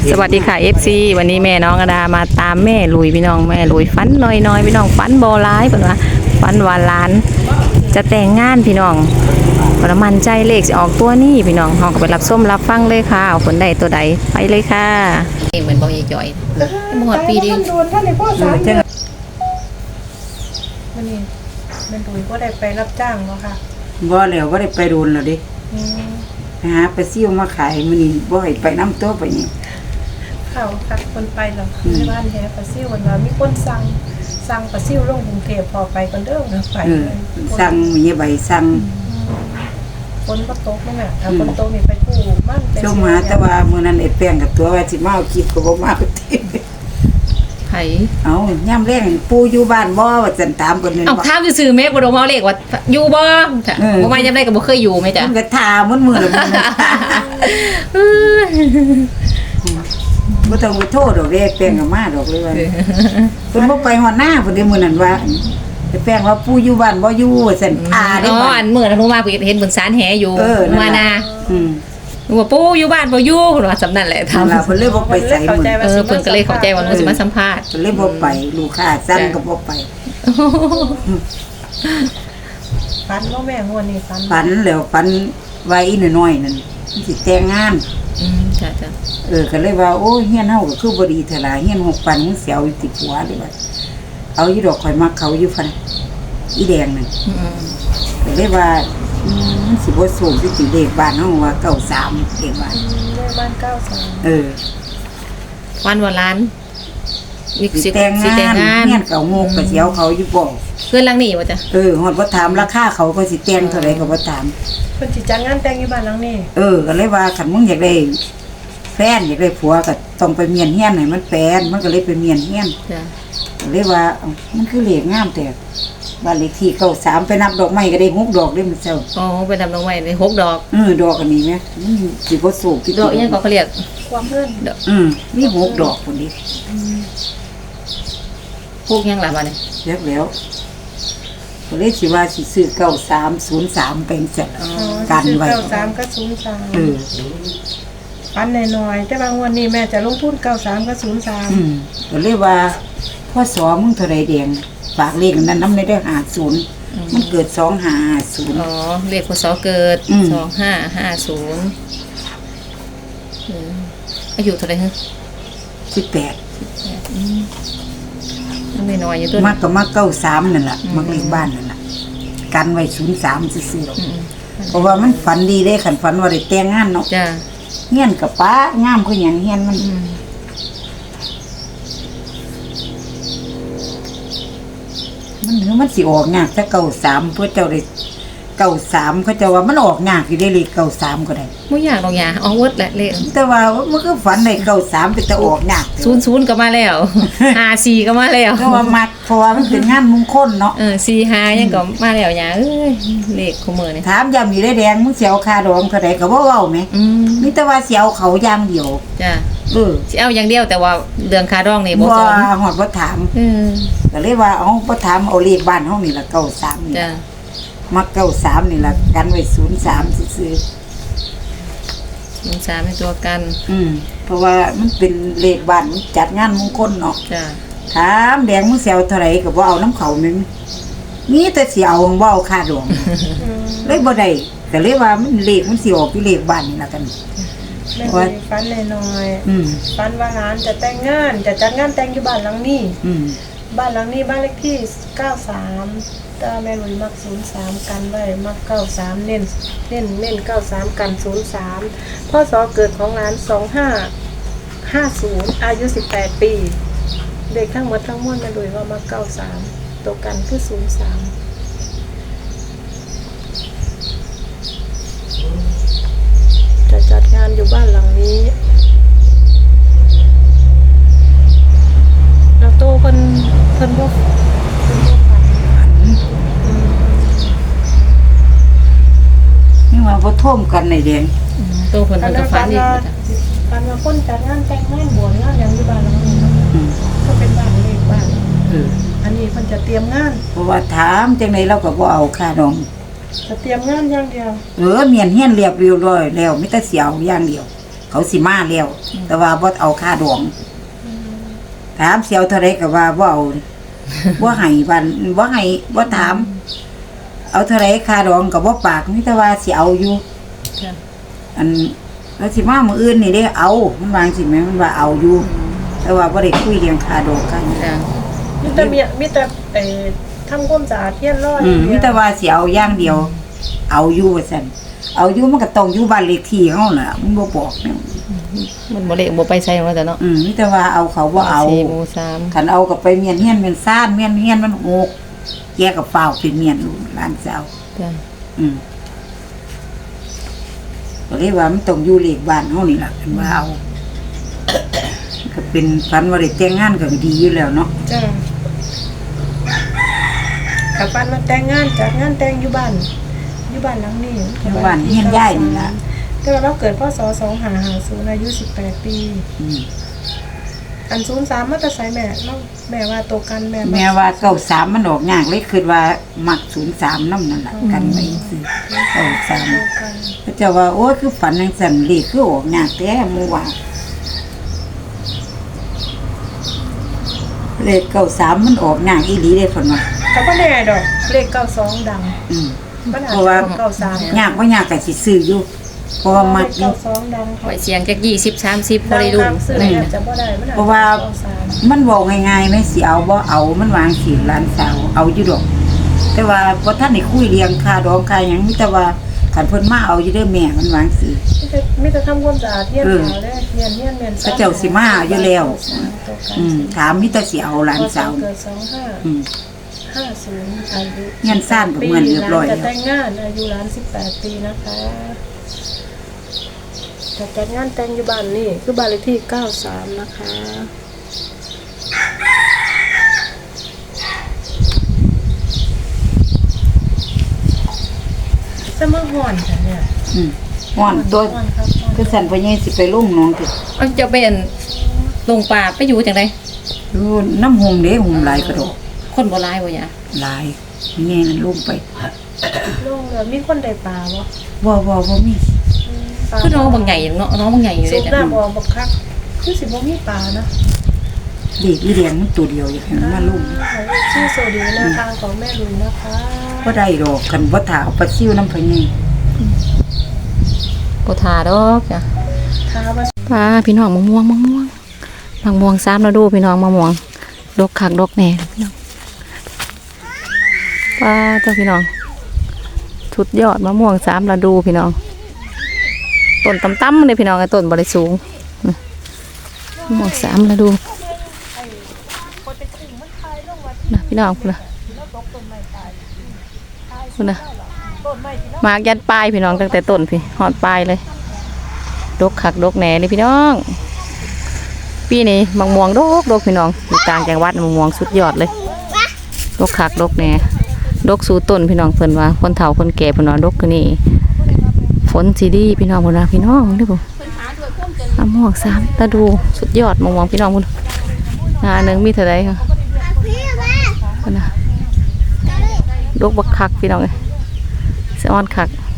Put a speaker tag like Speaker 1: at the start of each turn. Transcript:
Speaker 1: สวัสดีค่ะ FC วันนี้แม่น้องอดามาตามแม่ลุยพี่น้องแม่ลุยฟันน้อยพี่น้องฟันโบร้ายเพิ่นว่าฟันวาล้านจะแต่งงานพี่น้องประมันใจเลขสิออกตัวนี้พี่น้องเฮาก็ไปรับส้มรับฟังเลยค่ะเอาผลใดตัวใดไปเลยค่ะเหมือนบ่ยายจ่อยหมดปีดิ
Speaker 2: โดนท่านในพ่อสามมันนี่เป็นตุ๋ยก็ได้ไปรับจ้างบ่ค่ะ
Speaker 3: บ่แล้วบ่ได้ไปโดนแล้วเดิ
Speaker 2: อืม
Speaker 3: ไปหาปลาซิ่วมาขายมื้อนี้บ่ให้ไปน้ำตัวไปนี่
Speaker 2: เขาคัดคนไปหรอในบ้านแท้ปลาซิ่ววันว่ามีคนสั่งปลาซิ่วลงกรุงเทพพอไปกันเด้อนะไป
Speaker 3: สั่งมีใบสั่ง
Speaker 2: คนก็ตกนั่นน่ะถ้าคนตกนี่ไปกู้บ้านไป
Speaker 3: ชมหาแต่ว่ามื้อนั้นไอ้แป้งกับตัวว่าสิมาเอาคลิปก็บ่มาเอาติ
Speaker 1: ไผ
Speaker 3: เอาย่ำแรงปู่อยู่บ้านบ่ว่าซั่นถามเพิ่นนั่น
Speaker 1: เอ้า
Speaker 3: บ่
Speaker 1: ถามซื่อๆแม่บ่ดมเอาเลขว่าอยู่บ่ค่ะบ่มายังไดก็บ่เคยอยู่แม่จ้ะ
Speaker 3: เพิ่นก็ถามมื้อละมื้อนะบ่ต้องไปโทษดอกเด้แป้งก็มาดอกเลยว่าเพิ่นบ่ไปฮอดหน้าเพิ่นได้มื้อนั้นว่าไอ้แป้งว่าปู่อยู่บ้านบ่อยู่ว่าซั่นได้
Speaker 1: อ๋อ
Speaker 3: บ้า
Speaker 1: อั
Speaker 3: น
Speaker 1: นมื้อนั้นหนูมาเห็นบนศาลแหอยู่
Speaker 3: นั่น
Speaker 1: มา
Speaker 3: ล่ะ
Speaker 1: นา
Speaker 3: อืม
Speaker 1: ว่าปู่อยู่บ้านบ่อยู่เพิ่นว่าสำนั่นแหละ
Speaker 3: ทำ
Speaker 1: ทำ
Speaker 3: เราเพิ่นเลยบ่ไปใส่มื้อ
Speaker 1: เพิ่นก็เลยเข้าใจว่าหนูสิมาสัมภาษณ์
Speaker 3: เพิ่นเลยบ่ไปลูกค้าสั่งก็บ่ไป
Speaker 2: ฟันว่าแม่งวนนี่ฟัน
Speaker 3: ฝันแล้วฝันไว้น้อยๆนั่นมันสิแต่งงาน
Speaker 1: จ้ะ
Speaker 3: ก็เลยว่าโอ้ยเฮียนเฮาก็คือบ่ดีเท่าล่ะเฮียน6ปันมันเสียวอยู่ติดหัวเลยว่าเอาอยู่ดอกข่อยมักเขาอยู่ฟันอีแดงนั่นก็เลยว่ามันสิบ่สูงสิติเลขบ้านเฮาว่า93เลขบ้าน
Speaker 2: แม่บ้าน93
Speaker 1: วันวันล้านนี่
Speaker 3: สิ
Speaker 1: สิ
Speaker 3: แต่ง
Speaker 1: สิแต่ง
Speaker 3: งาน
Speaker 1: งาน
Speaker 3: เฮียนเก่าโงกก็สิเอาเขาอยู่บ่
Speaker 1: เพื่อนหลังนี้บ่จ้ะ
Speaker 3: ฮอดบ่ถามราคาเขาก็สิแต่งเท่าใดก็บ่ถาม
Speaker 2: เพิ่นสิจัดงานแต่งอยู่บ้านหลังนี้
Speaker 3: ก็เลยว่าคันมึงอยากได้แฟนอยากได้ผัวก็ต้องไปเมียนเฮียนให้มันแฟนมันก็เลยไปเมียนเฮียน
Speaker 1: จ้ะ
Speaker 3: ก็เลยว่าเอ้ามันคือเลขงามแต่บ้านเลขที่93ไปนับดอกไม้ก็ได้6ดอกได้มันเจ้า
Speaker 1: อ๋อไปทำดอกไม้ได้6 ดอก
Speaker 3: ดอกอันนี้แม่มันสิบ่สูงที่
Speaker 1: ดอกอิหยังก็เขาเรียก
Speaker 2: ความเพิ่น
Speaker 3: มี6ดอกพุ่นดิ
Speaker 1: พวกหยังล่ะบัดนี้
Speaker 3: เรียบแล้วก็เลยสิว่าสิซื้อ9303เป็นจังกันไว้
Speaker 2: 93กับ
Speaker 3: เออ
Speaker 2: 03ฟันน้อยๆแต่บางวันนี้แม่จะลงทุน93กับ03
Speaker 3: ก็เลยว่าพ่อสอมึงเท่าไรแดงฝากเลขนั้นน้ำในได้50มันเกิด2550
Speaker 1: อ๋อเลขพศเกิด
Speaker 3: อืม
Speaker 1: 2550อายุเท่าไหร่ฮะ
Speaker 3: 18
Speaker 1: ยังน้อยๆอยู่ตัว
Speaker 3: มักก็มัก93นั่นล่ะมักเลขบ้านนั่นล่ะกันไว้03ซื่อๆเพราะว่ามันฝันดีได้คันฝันว่าได้แต่งงานเนาะ
Speaker 1: จ้ะ
Speaker 3: เฮียนกับป้างามคือหยังเฮียนมันมันสิออกยากถ้า93เพื่อเจ้าได้93เขาเจ้าว่ามันออกยากอยู่ได้เลข93ก็ได้
Speaker 1: บ่อยากดอกหยาเอาเวิร์ดแหละเลข
Speaker 3: แต่ว่ามันก็ฝันได้93เป็นแต่ออกยาก
Speaker 1: 00ก็มาแล้ว54ก็มาแล้ว
Speaker 3: เพราะว่ามักเพราะว่ามันเป็นงานมงคลเนาะ
Speaker 1: 45ยังก็มาแล้วหยาเอ้ยเลขของมื้อนี่
Speaker 3: ถามยามอยู่ได้แดงมึงสิเอาค่าดองเท่าใดก็บ่เว้าแหมมีแต่ว่าสิเอาเขาอย่างเดียว
Speaker 1: จ้ะ
Speaker 3: เออ
Speaker 1: สิเอาอย่างเดียวแต่ว่าเรื่องค่าดองนี่บ่
Speaker 3: บ่
Speaker 1: สน
Speaker 3: ฮอดบ่ถาม ก็เลยว่าเอาบ่ถามเอาเลขบ้านเฮานี่ล่ะ93นี่
Speaker 1: จ้ะ
Speaker 3: มัก93นี่ล่ะกันไว้03ซื่อ
Speaker 1: 03เป็นตัวกัน
Speaker 3: เพราะว่ามันเป็นเลขบ้านมันจัดงานมงคลเนาะ
Speaker 1: จ้ะ
Speaker 3: ถามแดงมึงสิเอาเท่าไหร่ก็บ่เอาน้ำเขาแม่นมีแต่สิเอาบ่เอาค่าดองเลยบ่ได้ก็เลยว่ามันเลขมันสิออกอยู่เลขบ้านนี่ล่ะกัน
Speaker 2: แม่เลยฟันน้อยๆฟันว่าหลานจะแต่งงานจะจัดงานแต่งอยู่บ้านหลังนี้บ้านหลังนี้บ้านเลขที่93แต่แม่ลุยมัก03กันไว้มัก93เน้น93กัน03พ่อสอเกิดของหลาน2550อายุ18ปีเด็กทั้งหมดทั้งมวลแม่ลุยว่ามัก93ตัวกันคือ03จะจัดงานอยู่บ้านหลังนี้แล้วโตเพิ่นบ่ฝัน
Speaker 3: นี่ว่าบ่ท่วมกันในแดง
Speaker 1: ตัวเพิ่นก็ฝันอีก
Speaker 2: ฝันว่าคนจัดงานแต่งงานบวชงานหยังอยู่บ้านหลังนี้เนาะก็เป็นบ้านเล็กบ้านอันนี้เพิ่นจะเตรียมงาน
Speaker 3: เพราะว่าถามจังไดเราก็บ่เอาค่าดอง
Speaker 2: จะเตรียมงานอย่างเดียว
Speaker 3: เมียนเฮียนเรียบร้อยแล้วมีแต่สิเอาอย่างเดียวเขาสิมาแล้วแต่ว่าบ่เอาค่าดองถามเสียวเท่าไรก็ว่าบ่เอาบ่ให้วันบ่ให้บ่ถาม เอาเท่าไรค่าดองก็บ่ปากมีแต่ว่าสิเอาอยู่
Speaker 1: จ้ะ
Speaker 3: อันแล้วสิมามื้ออื่นนี่เด้เอามันวางสิแม่มันว่าเอาอยู่แต่ว่าบ่ได้คุยเรื่องค่าดองค่าหยัง
Speaker 1: จ้ะ
Speaker 2: มีแต่ทำความสะอาดเทียนร้อย
Speaker 3: มีแต่ว่าสิเอาอย่างเดียว เอาอยู่ว่าซั่นเอาอยู่มันก็ต้องอยู่บ้านเลขที่เฮาน่ะมันบ่บอกเนี่ย
Speaker 1: มันบ่เละบ่ไปใส่ว่าแต่เนาะ
Speaker 3: มีแต่ว่าเอาเขาบ่เอา
Speaker 1: 4หมู่3
Speaker 3: คันเอาก็ไปเมียนเฮียนเมียนซ่านเมียนเฮียนมันโอกแกก็เฝ้าเป็นเมียนลูกหลานสาว
Speaker 1: จ้ะ
Speaker 3: ก็เลยว่ามันต้องอยู่เลขบ้านเฮานี่ล่ะคันว่าเอาก็เป็นฝันว่าได้แต่งงานก็ดีอยู่แล้วเนาะ
Speaker 2: จ้ากับบ้านมาแต่งงานจัดงานแต่งอยู่บ้านหลังนี้
Speaker 3: อยู่บ้านเฮียนยายนี่ล่ะ
Speaker 2: แต่ว่าเราเกิดพศ2550อายุ18 ปีอัน03มาแต่ไสแม่เราแม่ว่าโตกันแม่
Speaker 3: แม่ว่าเก้าสามมันออกยากเลยคือว่ามัก03นำนั่นล่ะกันไว้ซื้อเก้าสาม
Speaker 2: โตกัน
Speaker 3: พระเจ้าว่าโอ้ยคือฝันจังซั่นเลขคือออกยากแท้หมู่ว่าเลขเก้าสามมันออกยากอีหลีเด้เพิ่นว่า
Speaker 2: ก็บ่แน่ดอกเลข92ดัง มันอาจ
Speaker 3: เพราะ
Speaker 2: จะ
Speaker 3: ว่า
Speaker 2: ออก93
Speaker 3: ยากบ่ยากก็สิซื้ออยู่เพราะว่ามักอยู่
Speaker 2: 92ดัง
Speaker 1: ไว้เสียงจัก20 30บ่ได้รุ่น
Speaker 2: ซื้อ
Speaker 1: อะไร
Speaker 2: แทบ
Speaker 1: นะ
Speaker 2: จะบ่ได้มันอาจ
Speaker 3: เพราะ
Speaker 2: จะ
Speaker 3: ว่า
Speaker 2: 93
Speaker 3: มันบอกง่ายๆไหมสิเอาบ่เอามันวางสิหลานสาวเอาอยู่ดอก แต่ว่าบ่ทันได้คุยเรียงค่าดองค่าหยังมีแต่ว่าคันเพิ่นมาเอาอยู่เด้อแม่มันวางสิ
Speaker 2: มีแต่ทำความสะอาดเทียนขาวเลยเทียน
Speaker 3: พระเจ้าสิมาอยู่แล้วถามมีแต่สิเอาหลานสาว
Speaker 2: เกิด
Speaker 3: อืม
Speaker 2: 2550อายุ
Speaker 3: เงินซ่านก็เหมือนเรียบร้อย
Speaker 2: จะแต่งงานอายุ18 ปีนะคะจะจัดงานแต่งอยู่บ้านนี่คือบ้านเลขที่93นะคะจะมาห่อนค่ะเนี่ย
Speaker 3: ฮ้อนตัว
Speaker 2: ห่อนครับห่อน
Speaker 3: คือสั่นพ่อใหญ่สิไปลงหนองติ
Speaker 1: เอาจะเป็นลงป่าไปอยู่จังได๋
Speaker 3: ดูน้ำหงเด้หงหลายกระดอก
Speaker 1: คนบ่หลายบ่หยา
Speaker 3: หลายแม่นั่นลงไป
Speaker 2: โล่งเลยมีคนได้ปลาบ่
Speaker 3: บ่มี
Speaker 2: ปลา
Speaker 1: คือน้องบางใหญ่เนาะน้องบางใหญ่อยู่
Speaker 2: สุ
Speaker 1: เลย
Speaker 2: ด
Speaker 1: จ้ะ
Speaker 2: น้ำออกบักคักคือสิบ่มีปลานะ
Speaker 3: เด็กอีแดงมันตัวเดียวอย่างนั้นมาลง
Speaker 2: ชื่อโซดีแนวทางของแม่ลุยนะคะ
Speaker 3: บ่ได้ดอกกันบ่ถาเอาปลาซิ่วน้ำพ่อใหญ่
Speaker 1: บ่ทาดอกจ้ะ
Speaker 2: ท้าว่า
Speaker 1: ป้าพี่น้องมะม่วง3แล้วดูพี่น้องมะม่วงดกคักดกแน่พี่น้องป้าเจ้าพี่น้องสุดยอดมะม่วง3แล้วดูพี่น้องต้นต่ำๆเลยพี่น้องไอ้ต้นบ่ได้สูงมะม่วง3แล้วดูนะพี่น้องพุ่นน่ะมากยัดปลายพี่น้องตั้งแต่ต้นพี่ฮอดปลายเลยดกคักดกแหน่เลยพี่น้องปีนี้มะม่วงดกพี่น้องอยู่ต่างจังหวัดมะม่วงสุดยอดเลยดกคักดกแหน่ดกสู่ต้นพี่น้องเพิ่นว่าคนเฒ่าคนแก่เพิ่นว่าดกคือนี่ฝนสิดีพี่น้องเพิ่นว่าพี่น้องนี่บ่มะม่วง3ตาดูสุดยอดมะม่วงพี่น้องพุ่นงานนึงมีเท่าใดค่ะเพิ่นน่ะดกบักคักพี่น้องเอ้ยสะออนคัก